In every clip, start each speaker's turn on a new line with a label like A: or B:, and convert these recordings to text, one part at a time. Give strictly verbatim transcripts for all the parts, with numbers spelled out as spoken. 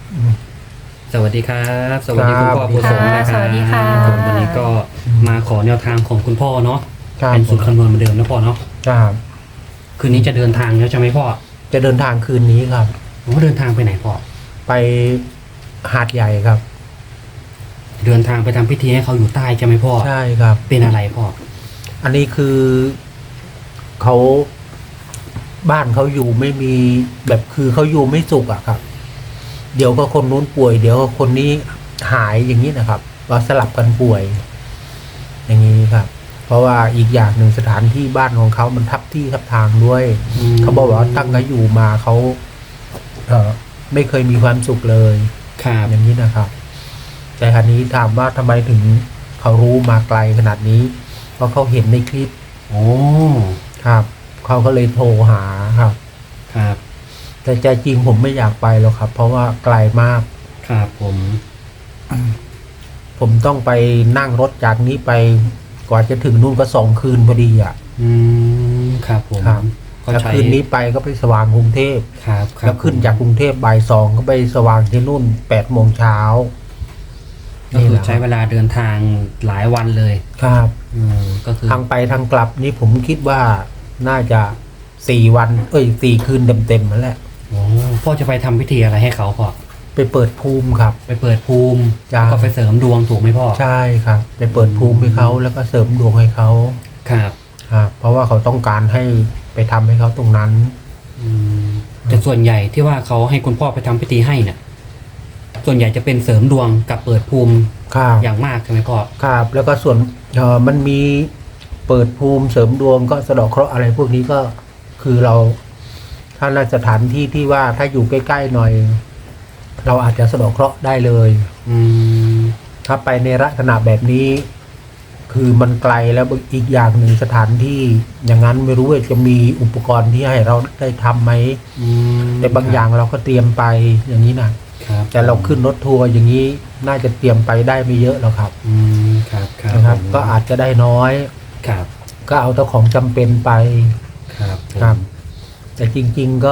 A: สวัสดีครับสวัสดีคุณพ่อผู้สงนะค
B: ส
A: รับ
B: วัสดีค่ะ
A: ผมวันนี้ก็มาขอแนวทางของคุณพ่อเนาะ
C: ครับ
A: เป็นสูตรคำนวณเหมือนเดิมนะพ่อเนาะ
C: ครับ
A: คืนนี้จะเดินทางแล้วใช่ไหมพ่อ
C: จะเดินทางคืนนี้ครับ
A: ผมว่าเดินทางไปไหนพ่อ
C: ไปหาดใหญ่ครับ
A: เดินทางไปทำพิธีให้เขาอยู่ใต้ใช่ไหมพ่อ
C: ใช่ครับ
A: เป็นอะไรพ่อ
C: อันนี้คือเขาบ้านเขาอยู่ไม่มีแบบคือเขาอยู่ไม่สุขอะครับ เดี๋ยวก็คนนู้นป่วย เดี๋ยวก็คนนี้หายอย่างนี้นะครับว่าสลับกันป่วย อย่างนี้ครับ เพราะว่าอีกอย่างหนึ่งสถานที่บ้านของเขามันทับที่ทับทางด้วย
A: อืม
C: เขาบอกว่าตั้งแต่อยู่มาเขาเออไม่เคยมีความสุขเลย
A: ครับ
C: อย่างนี้นะครับ แต่คราวนี้ถามว่าทำไมถึงเขารู้มาไกลขนาดนี้ เพราะเขาเห็นในคลิป
A: โอ้
C: ครับเขาก็เลยโทรหาครับ
A: ครับ
C: แต่ใจจริงผมไม่อยากไปหรอกครับ เพราะว่าไกลมาก
A: ครับผม
C: ผมต้องไปนั่งรถจากนี้ไปกว่าจะถึงนู่นก็สองคืนพอดีอ่ะ
A: อืมครับผม
C: ครับ
A: ก็
C: แล้ว
A: ใช้
C: คืนนี้ไปก็ไปสว่างกรุงเทพ
A: ครับครับ
C: แล้วขึ้นจากกรุงเทพบ่ายสองก็ไปสว่างที่นู่นแปดโมงเช้า
A: ก็คือใช้เวลาเดินทางหลายวันเลย
C: ครับ
A: อืมก็คือ
C: ทางไปทางกลับนี่ผมคิดว่าน่าจะสี่วัน เอ้ยสี่คืนเต็มๆนั่นแหละ
A: โอ้พ่อจะไปทำพิธีอะไรให้เขาพ่อ
C: ไปเปิดภูมิครับ
A: ไปเปิดภูมิ
C: จ้า
A: แล้วก็ไปเสริมดวงถูกไหมพ่อ
C: ใช่ครับ ไปเปิดภูมิให้เขาแล้วก็เสริมดวงให้เขา
A: ครับ
C: ครับเพราะว่าเขาต้องการให้ไปทำให้เขาตรงนั้น
A: อืมแต่ส่วนใหญ่ที่ว่าเขาให้คุณพ่อไปทำพิธีให้เนี่ยส่วนใหญ่จะเป็นเสริมดวงกับเปิดภูมิ
C: ครับ
A: อย่างมากใช่ไหมพ่อ
C: ครับแล้วก็ส่วนเออมันมีเปิดภูมิเสริมดวงก็สะเดาะเคราะห์อะไรพวกนี้ก็คือเราถ้าในสถานที่ที่ว่าถ้าอยู่ใกล้ๆหน่อย เราอาจจะสะเดาะเคราะห์ได้เลย
A: อืม
C: ถ้าไปในลักษณะแบบนี้ คือมันไกลแล้วอีกอย่างหนึ่งสถานที่อย่างนั้นไม่รู้ว่าจะมีอุปกรณ์ที่ให้เราได้ทำไหม
A: อืม
C: แต่บางอย่างเราก็เตรียมไปอย่างนี้นะครับ แต่เราขึ้นรถทัวร์อย่างนี้น่าจะเตรียมไปได้ไม่เยอะหรอกครับ
A: อืมครับครับ
C: นะครับ
A: ผม
C: ก็อาจจะได้น้อย
A: ครับ
C: ก็เอาแต่ของจำเป็นไป
A: ครับผม
C: ครับ แต่จริง ๆก็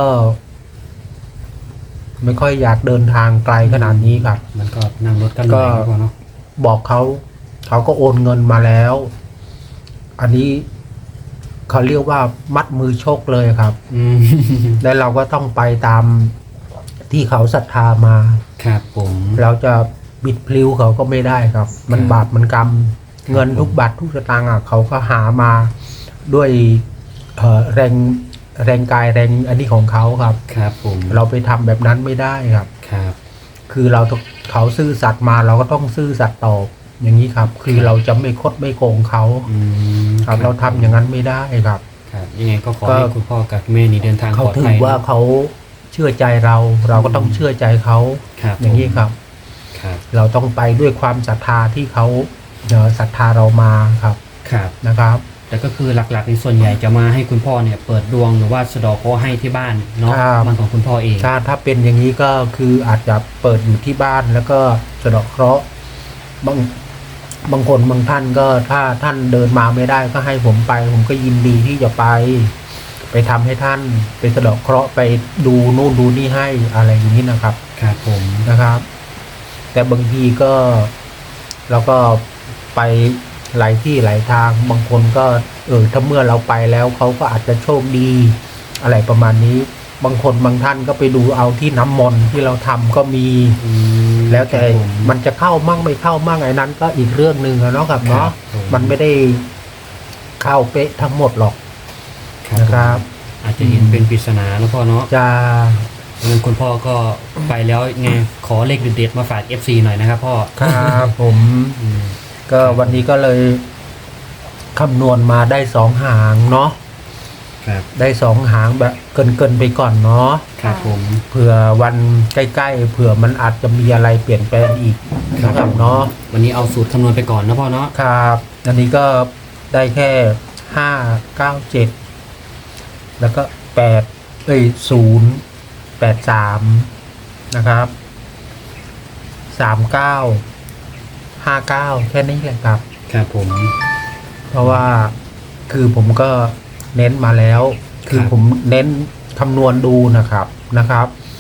C: ไม่ค่อยอยากเดินทางไกลขนาดนี้ครับ
A: มันก็นั่งรถกันเหนื่อยนะพ่อเนาะ
C: บอกเขาเขาก็โอนเงินมาแล้ว อันนี้เขาเรียกว่ามัดมือชกเลยครับ
A: อืม
C: และเราก็ต้องไปตามที่เขาศรัทธามา
A: ครับผม
C: เราจะบิดพลิ้วเขาก็ไม่ได้ครับ มัน
A: ครับ
C: บาปมันกรรม เงินทุกบาททุกสตางค์อ่ะเขาก็หามาด้วยเอ่อแรงแรงกายแรงอันนี้ของเขาครับ
A: ครับผม
C: เราไปทำแบบนั้นไม่ได้ครับ
A: ครับ
C: คือเราต้องเขาซื่อสัตย์มาเราก็ต้องซื่อสัตย์ตอบอย่างนี้ครับ คือเราจะไม่คดไม่โกงเขา
A: อืม
C: ครับเราทำอย่างนั้นไม่ได้ครับ
A: ครับยังไงก็ขอ
C: ก็
A: ให้คุณพ่อกับแม่นี่เดินทาง
C: เขา
A: ปลอด
C: ถื
A: ภั
C: อย ว่าเขาเชื่อใจเรา เราก็ต้องเชื่อใจเขา
A: ครับ
C: อย่างนี้ครับ
A: ครับ
C: เราต้องไปด้วยความศรัทธาที่เขาเอ่อศรัทธาเรามาครับ
A: ครับ
C: นะครับ
A: แต่ก็คือหลักๆในส่วนใหญ่จะมาให้คุณพ่อเนี่ยเปิดดวงหรือว่าสะเดอกเคราะห์ให้ที่บ้านเนาะ
C: ครับ
A: มันของคุณพ่อเอง
C: ถ้าถ้าเป็นอย่างนี้ก็คืออาจจะเปิดอยู่ที่บ้านแล้วก็สะเดาะเคราะห์บางบางคนบางท่านก็ถ้าท่านเดินมาไม่ได้ก็ให้ผมไป ผมก็ยินดีที่จะไป ไปทำให้ท่านไปสะเดาะเคราะห์ไปดูนู่นดูนี่ให้อะไรอย่างนี้นะครับ
A: ครับผม
C: นะครับ แต่บางทีก็เราก็ไปหลายที่หลายทางบางคนก็เออถ้าเมื่อเราไปแล้วเขาก็อาจจะโชคดี อะไรประมาณนี้ บางคนบางท่านก็ไปดูเอาที่น้ำมนต์ที่เราทำก็มี
A: อืม
C: แล้วแต่
A: ครับผม
C: มันจะเข้ามั่งไม่เข้ามั่งไอ้นั้นก็อีกเรื่องหนึ่งอะเนาะครับ
A: ครั
C: เนาะ
A: บผม
C: มันไม่ได้เข้าเป๊ะทั้งหมดหรอก
A: ครับ
C: นะครับ
A: ผมอาจจะเห็นเป็นปริศนานะพ่อเนาะ
C: จะ
A: งั้นคุณพ่อก็ไปแล้วไงขอเลขเด็ดๆมาฝาก เอฟ ซี หน่อยนะครับพ่อ
C: ครับผม
A: อืม
C: ก็วันนี้ก็เลยคำนวณมาได้สองหางเนาะ
A: ครับ
C: ได้สองหางแบบเกินเกินๆไปก่อนเนาะ
A: ครับผม
C: เผื่อวันใกล้ๆเผื่อมันอาจจะมีอะไรเปลี่ยนแปลงอีกนะครับเนาะ
A: วันนี้เอาสูตรคำนวณไปก่อนนะพ่อเนาะ
C: ครับอันนี้ก็ได้แค่ห้าเก้าเจ็ดแล้วก็แปดเอ้ยศูนย์แปดสามนะครับสามเก้าห้าเก้าแค่นี้แหละครับ
A: ครับผม
C: เพราะว่าคือผมก็เน้นมาแล้ว คือ
A: ครับ
C: ผมเน้นคำนวณดูนะครับนะครับ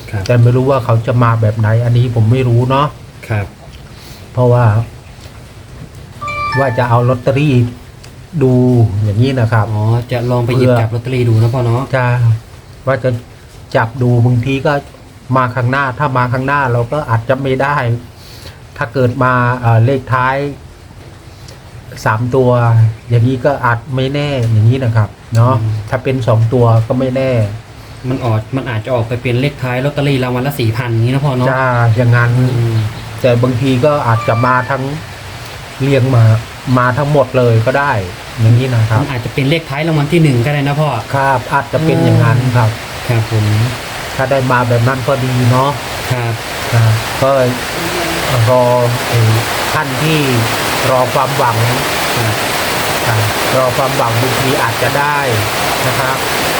A: ครับ
C: แต่ไม่รู้ว่าเขาจะมาแบบไหน อันนี้ผมไม่รู้เนาะ
A: ครับ
C: เพราะว่า ว่าจะเอาลอตเตอรี่ดูอย่างนี้นะครับ
A: อ๋อจะลองไปหยิบจับลอตเตอรี่ดูนะพ่อเนาะ
C: จะว่าจะจับดูบางทีก็มาข้างหน้า ถ้ามาข้างหน้าเราก็อาจจะไม่ได้ ถ้าเกิดมาเอ่อเลขท้ายสามตัว อย่างนี้ก็อาจไม่แน่อย่างนี้นะครับ เนาะถ้าเป็นสองตัวก็ไม่แน่
A: มันออกมันอาจจะออกไปเป็นเลขท้ายลอตเตอรี่รางวัลละสี่พันนี้นะพ่อเนาะ
C: จะอย่างนั้น
A: อืม
C: แต่บางทีก็อาจจะมาทั้งเรียงมามาทั้งหมดเลยก็ได้ อย่างนี้นะครับ
A: มันอาจจะเป็นเลขท้ายรางวัลที่หนึ่งก็ได้นะพ่อ
C: ครับอาจจะเป็นอย่างนั้นครับ
A: ครับผม
C: ถ้าได้มาแบบนั้นก็ดีเนาะ
A: ครับ
C: ครับก็รอไอ้ท่านที่รอความหวัง
A: ครับ
C: ครับรอความหวังบางทีอาจจะได้นะครับ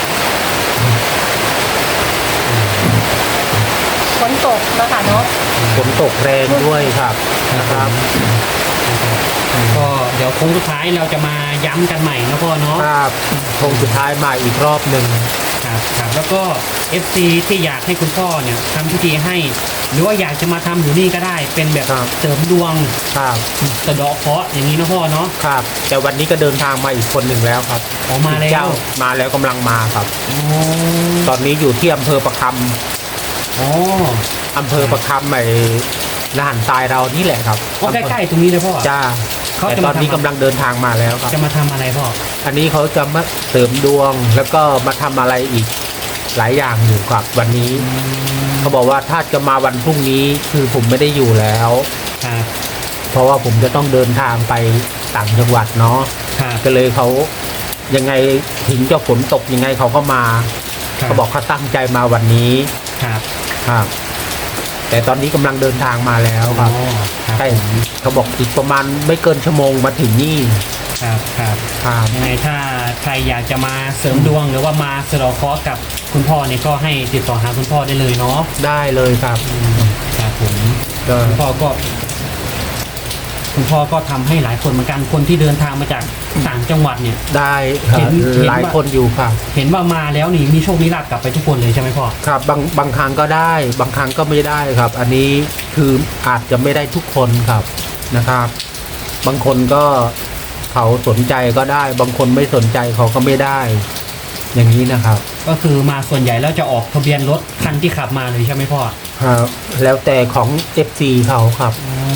B: ฝนตกนะคะเนาะ
C: ฝนตกแรงด้วยครับนะครับ
A: ก็เดี๋ยวโค้งสุดท้ายเราจะมาย้ำกันใหม่นะพ่อเนาะ
C: ครับคงสุดท้ายมาอีกรอบหนึ่ง
A: ครับครับแล้วก็ เอฟ ซี ที่อยากให้คุณพ่อเนี่ยทำพิธีให้ หรือว่าอยากจะมาทำอยู่นี่ก็ได้ เป็นแบบเสริมดวง
C: ครับ
A: สะเดาะเคราะห์อย่างนี้นะพ่อเนาะ
C: ครับ แต่วันนี้ก็เดินทางมาอีกคนหนึ่งแล้วครับ
A: ออกมาแล้
C: เจ้าว มาแล้วกำลังมาครับ
A: อ๋อ
C: ตอนนี้อยู่ที่อำเภอประค
A: อ๋อ
C: ำอำเภอประคำไอ้ลานทรายเรานี่แหละครับ
A: ก็ใกล้ๆตรงนี้เลยพ่อ
C: จ้า
A: เขา
C: แต่
A: จะ
C: ต
A: มา
C: อนนี้
A: ทำ
C: กำลังเดินทางมาแล้วครับ
A: จะมาทำอะไรพ่อ
C: อันนี้เขาจะมาเสริมดวงแล้วก็มาทำอะไรอีกหลายอย่างอยู่ครับ วันนี้เขาบอกว่าถ้าจะมาวันพรุ่งนี้คือผมไม่ได้อยู่แล้ว
A: ครับ
C: เพราะว่าผมจะต้องเดินทางไปต่างจังหวัดเนาะ
A: ครับ
C: ก็เลยเขายังไงถึงจะฝนตกยังไงเขาก็มา
A: ครับ
C: เขาบอกเขาตั้งใจมาวันนี้
A: ครับ
C: ครับ แต่ตอนนี้กำลังเดินทางมาแล้วครับ
A: อ๋อครับ
C: ใช่เขาบอกอีกประมาณไม่เกินชั่วโมงมาถึงนี่
A: ครับครับ
C: ครับ
A: ยังไงถ้าใครอยากจะมาเสริมดวงหรือว่ามาสะเดาะเคราะห์กับคุณพ่อเนี่ยก็ให้ติดต่อหาคุณพ่อได้เลยเนาะ
C: ได้เลยครับ
A: อืมครับผม
C: ก็
A: คุณพ่อก็ คุณพ่อก็ทำให้หลายคนเหมือนกันคนที่เดินทางมาจากต่างจังหวัดเนี่ย
C: ได้ครั
A: เห็
C: บ
A: นเห็น
C: หลาย
A: ว่า
C: คนอยู่ครับ
A: เห็นว่ามาแล้วนี่มีโชคมีลาภกลับไปทุกคนเลยใช่ไหมพ่อ
C: ครับบางบางครั้งก็ได้ บางครั้งก็ไม่ได้ครับ อันนี้คืออาจจะไม่ได้ทุกคนครับนะครับ บางคนก็เขาสนใจก็ได้ บางคนไม่สนใจเขาก็ไม่ได้ อย่างนี้นะครับ
A: ก็คือมาส่วนใหญ่แล้วจะออกทะเบียนรถคันที่ขับมาเลยใช่ไหมพ่อ
C: ครับ แล้วแต่ของ เอฟ ซี เขาครับ
A: อ๋อบ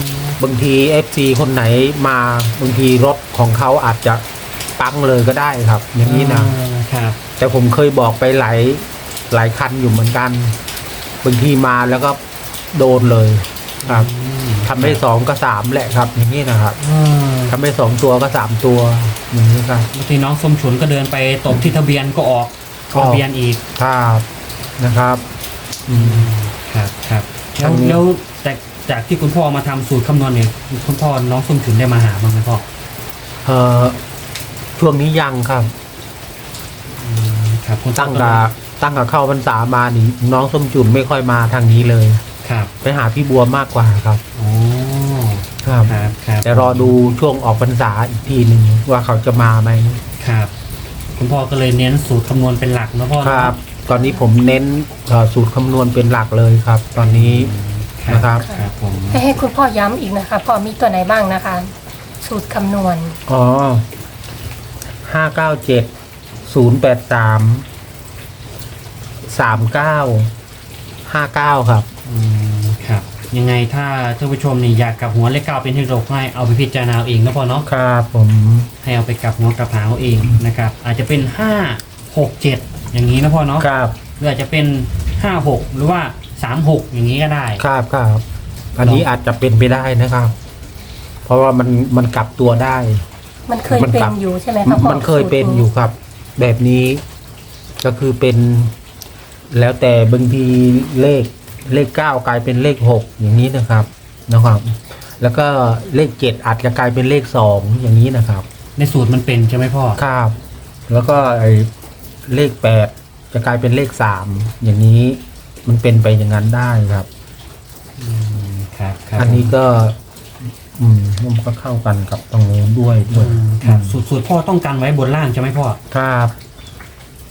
C: างที เอฟ ซี คนไหนมาบางทีรถของเขาอาจจะปังเลยก็ได้ครับ อย่างนี้นะ
A: อ่าครับ
C: แต่ผมเคยบอกไปหลายหลายคันอยู่เหมือนกัน บางทีมาแล้วก็โดนเลยครับ
A: อืม
C: ทำให้สองก็สามแหละครับ อย่างนี้นะครับ
A: อ่า
C: ทำให้สองตัวก็สามตัว อย่างนี้ครับ
A: บางทีน้องส้มฉุนก็เดินไปตบที่ทะเบียนก็ออก
C: ออก
A: ทะเบียนอีก
C: ครับนะครับ อืม
A: ครับครับแล้
C: อั
A: วน
C: นี้
A: แล้วจากจากที่คุณพ่อมาทำสูตรคำนวณเนี่ยคุณพ่อน้องส้มฉุนได้มาหาบ้างไหมพ่อ
C: เอ่อช่วงนี้ยังครับ
A: ครับคุณ
C: ตั้งแต่ตั้งแต่เข้าพรรษามานี่น้องส้มจุนไม่ค่อยมาทางนี้เลย
A: ครับ
C: ไปหาพี่บัวมากกว่าครับ
A: อ๋อ
C: ครับ
A: ครับครับ
C: แต่รอดูช่วงออกพรรษาอีกทีหนึ่งว่าเขาจะมาไหม
A: ครับ คุณพ่อก็เลยเน้นสูตรคำนวณเป็นหลักนะพ่อ
C: ครับ ตอนนี้ผมเน้นเอ่อสูตรคำนวณเป็นหลักเลยครับ ตอนนี้ นะครับ
A: ครับผม
B: ให้ให้คุณพ่อย้ำอีกนะคะพ่อมีตัวไหนบ้างนะคะ สูตรคำนวณ
C: อ๋อห้าเก้าเจ็ดศูนย์แปดสามสามเก้าห้าเก้าครับ
A: อืมครับ ยังไงถ้าท่านผู้ชมนี่อยากกลับหัวเลขเก้าเป็นที่โลกให้เอาไปพิจารณาเอาเองนะพ่อเนาะ
C: ครับผม
A: ให้เอาไปกลับหัวกลับหางเอาเองนะครับ อาจจะเป็นห้าหกเจ็ดอย่างนี้นะพ่อเนาะ
C: ครับ
A: หรืออาจจะเป็นห้าหกหรือว่าสามหกอย่างนี้ก็ได้
C: ครับครับอันนี้อาจจะเป็นไปได้นะครับ เพราะว่ามันมันกลับตัวได้
B: มันเคย
C: มัน
B: เป็
C: กลั
B: น
C: บ
B: อยู่ใช่ไหมคะพ่อ
C: มันเคยเป็นอยู่ครับ แบบนี้ก็คือเป็น แล้วแต่บางทีเลขเลขเก้ากลายเป็นเลขหกอย่างนี้นะครับนะครับ แล้วก็เลขเจ็ดอาจจะกลายเป็นเลขสองอย่างนี้นะครับ
A: ในสูตรมันเป็นใช่ไหมพ่อ
C: ครับ แล้วก็ไอ้เลขแปดจะกลายเป็นเลขสามอย่างนี้มันเป็นไปอย่างนั้นได้ครับ
A: อืมครับครับ
C: อันนี้ก็ อืมมันก็เข้ากันกับตรงนู้นด้วยด้
A: อื
C: วย
A: มครับสูตรสูตรพ่อต้องการไว้บนล่างใช่ไหมพ่อ
C: ครับ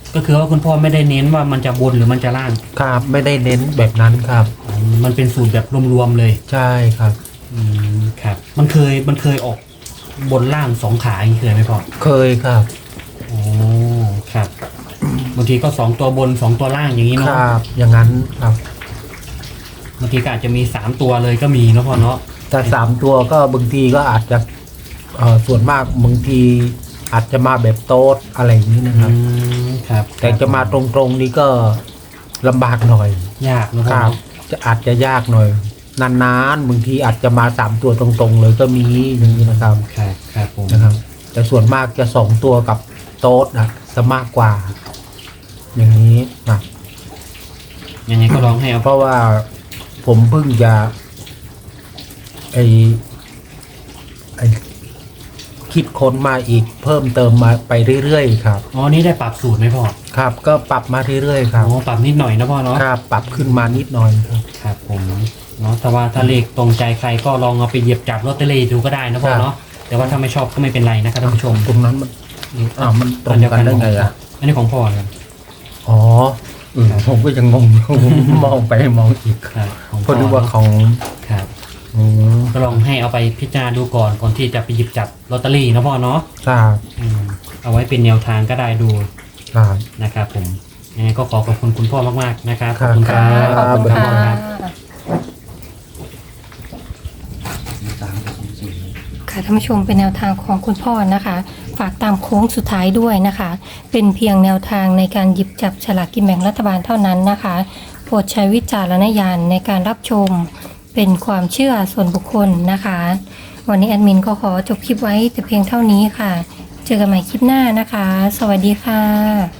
A: ก็คือว่าคุณพ่อไม่ได้เน้นว่ามันจะบนหรือมันจะล่าง
C: ครับ ไม่ได้เน้นแบบนั้นครับ
A: อ๋อมันเป็นสูตรแบบรวมๆเลย
C: ใช่ครับ
A: อืมครับ มันเคยมันเคยออกบนล่างสองขาอย่างนี้เคยไหมพ่อ
C: เคยครับ
A: โอ้ครับบางทีก็สองตัวบนสองตัวล่างอย่างนี้
C: ค
A: เนาะ
C: รับ อย่างนั้นครับ
A: บางทีก็อาจจะมีสามตัวเลยก็มีเนาะพ่อเนาะ
C: แต่สามตัวก็บางทีก็อาจจะเอ่อส่วนมากบางทีอาจจะมาแบบโต๊ดอะไรอย่างนี้นะค
A: อื
C: รับ
A: มครับ
C: แต่จะมาตรงๆนี้ก็ลำบากหน่อย
A: ยากเนาะ
C: ค
A: พ่อ
C: รับ
A: เนาะ
C: จะอาจจะยากหน่อย นานๆบางทีอาจจะมาสามตัวตรงๆเลยก็มีอย่างนี้นะครับ
A: ครับครับผม
C: นะครับ แต่ส่วนมากจะสองตัวกับโต๊ดนะจะมากกว่า อย่างนี้นะ
A: ยังไงก็ลองให้เอา
C: เพราะว่าผมเพิ่งจะไอไอคิดค้นมาอีกเพิ่มเติมมาไปเรื่อยๆครับ
A: อ๋อนี่ได้ปรับสูตรไหมพ่อ
C: ครับ ก็ปรับมาเรื่อยๆครับ
A: อ๋อปรับนิดหน่อยนะพ่อเนาะ
C: ครับ ปรับขึ้นมานิดหน่อยครับ
A: ครับผมเนาะแต่ว่าถ้าเลขตรงใจใครก็ลองเอาไปเหยียบจับลอตเตอรี่ดูก็ได้นะพ่อเนาะแต่ว่าถ้าไม่ชอบก็ไม่เป็นไรนะครับท่านผู้ชม
C: ตรงนั้นมันอ้าวมันตรงกันได้ไงอ่ะ
A: อันนี้ของพ่อครับ
C: อ๋อเออผมก็ยังงงอยู่ มองไปมองอีก
A: ครับของ
C: เพราะนึกว่าของ
A: ครับ
C: อืม
A: ก็ลองให้เอาไปพิจารณาดูก่อนก่อนที่จะไปหยิบจับลอตเตอรี่นะพ่อเนาะ
C: ครับ
A: อืมเอาไว้เป็นแนวทางก็ได้ดู
C: ครับ
A: นะครับผมยังไงก็ขอขอบคุณคุณพ่อมากๆนะครับข
C: ครั
A: อบบ คุณค
B: ค่ะ
A: รับ
B: ขอบคุณ
C: ครั
B: ค่ะ
C: บ
B: ค่ะท่านผู้ชมเป็นแนวทางของคุณพ่อนะคะ ฝากตามโค้งสุดท้ายด้วยนะคะ เป็นเพียงแนวทางในการหยิบจับฉลากกินแบ่งรัฐบาลเท่านั้นนะคะ โปรดใช้วิจารณญาณในการรับชม เป็นความเชื่อส่วนบุคคลนะคะ วันนี้แอดมินก็ขอจบคลิปไว้แต่เพียงเท่านี้ค่ะ เจอกันใหม่คลิปหน้านะคะ สวัสดีค่ะ